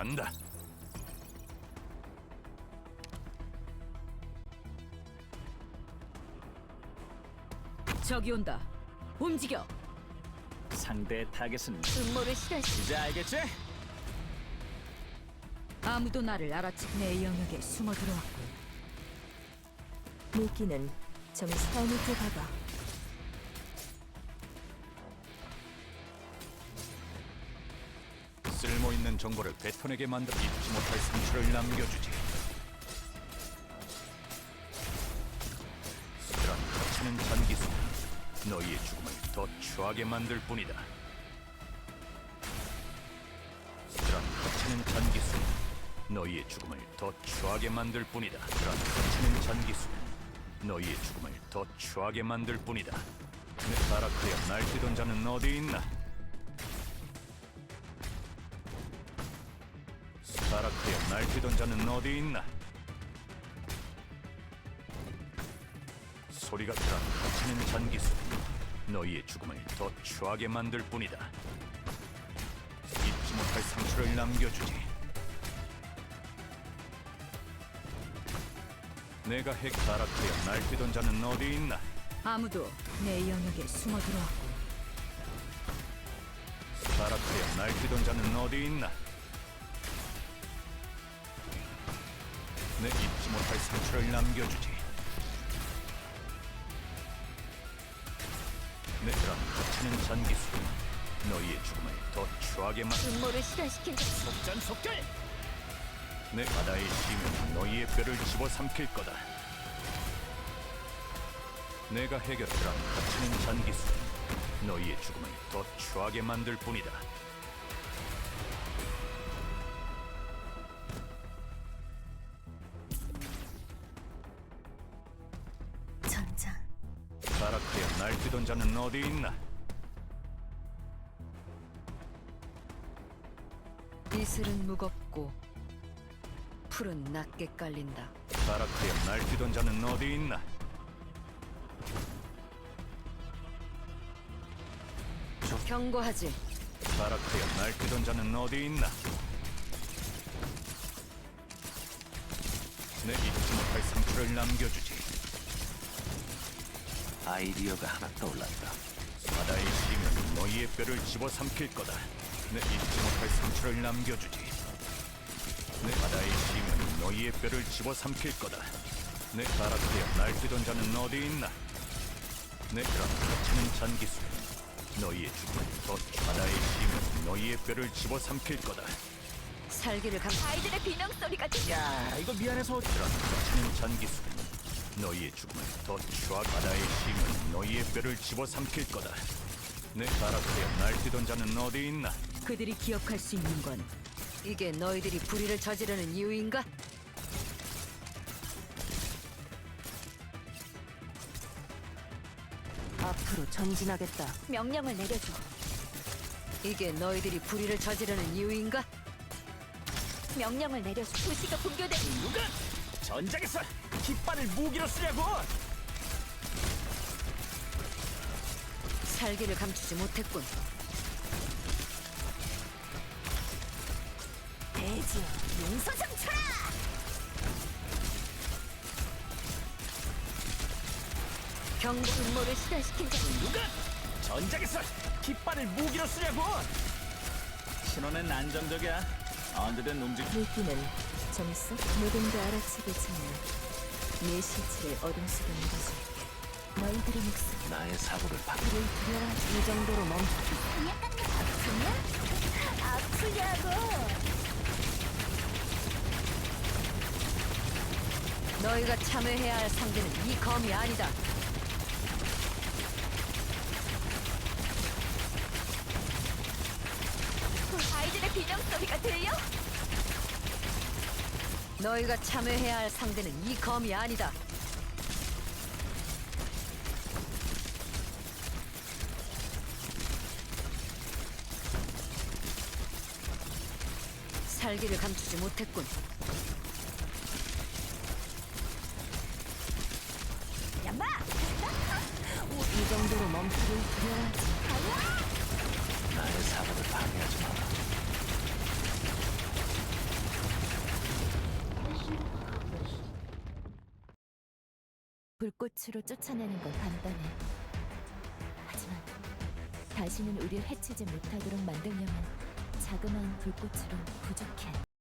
간다. 저기 온다. 움직여. 상대의 타겟은 음모를 실현시. 이제 알겠지? 아무도 나를 알아채. 내 영역에 숨어 들어왔군. 미끼는 좀 살 밑에 박아. 쓸모있는 정보를 베톤에게 만들어 잊지 못할 상처를 남겨주지. 그런 거치는 잔기수 너희의 죽음을 더 추하게 만들 뿐이다. 그런 거치는 잔기수 너희의 죽음을 더 추하게 만들 뿐이다. 그런 거치는 잔기수 너희의 죽음을 더 추하게 만들 뿐이다. 내 바라크야 날뛰던 자는 어디 있나? 바라크야 날뛰던 자는 어디 있나? 소리가 들어 거치는 잔기수 너희의 죽음을 더 추하게 만들 뿐이다. 잊지 못할 상처를 남겨주지. 내가 핵 바라크야 날뛰던 자는 어디 있나? 아무도 내 영역에 숨어 들어왔군. 바라크야 날뛰던 자는 어디 있나? 내 잊지 못할 상처를 남겨주지. 내 그런 거치는 잔기수 너희의 죽음을 더 추하게 음모를 실현시킨 자. 속전속결! 내 바다의 심은 너희의 뼈를 집어삼킬 거다. 내가 해결하라 거치는 잔기수 너희의 죽음을 더 추하게 만들 뿐이다. 전장. 바라크야 날뛰던 자는 어디 있나? 이슬은 무겁고 풀은 낮게 깔린다. 바라크야 날뛰던 자는 어디 있나? 경고하지. 바라크야 날뛰던 자는 어디 있나? 내 잊지 못할 상처를 남겨주지. 아이디어가 하나 떠올랐다. 바다의 심은 너희의 뼈를 집어삼킬 거다. 내 잊지 못할 상처를 남겨주지. 내 바다의 심은 너희의 뼈를 집어삼킬 거다. 내 바라크야 날뛰던 자는 어디 있나? 내 그런 거치는 잔기수 너희의 죽음을 더 바다의 심은 너희의 뼈를 집어삼킬 거다. 살기를 감. 아이들의 비명 소리가 들려. 야, 이거 미안해서 그런 거치는 잔기수 너희의 죽음을 더 추하. 바다의 심은 너희의 뼈를 집어삼킬 거다. 내 바라크야 날뛰던 자는 어디 있나? 그들이 기억할 수 있는 건 이게 너희들이 불의를 저지르는 이유인가? 앞으로 전진하겠다. 명령을 내려줘. 이게 너희들이 불의를 저지르는 이유인가? 명령을 내려줘. 도시가 붕괴된. 누가 전장에서 깃발을 무기로 쓰냐고! 살기를 감추지 못했군. 대지 용서장 쳐라. 경고 음모를 실현시킨 자. 누가 전장에서 깃발을 무기로 쓰냐고! 신호는 안정적이야. 언제든 움직. 미끼는 좀 있어. 누군가 알아채기 전에 내 시체를 어둠 속에 묻어줄게. 너희들의 목숨 나의 사고를 박. 불을 들여라. 이 정도로 멈춰. 아프냐고. 너희가 참여해야 할 상대는 이 검이 아니다. 아이들의 비명 소리가 들려? 너희가 참여해야 할 상대는 이 검이 아니다. 살기를 감추지 못했군. 야마! 이 정도로 멈추를 들여야지. 나의 사고를 방해하지 마라. 불꽃으로 쫓아내는 건 간단해. 하지만 다시는 우릴 해치지 못하도록 만들려면 자그마한 불꽃으로 부족해.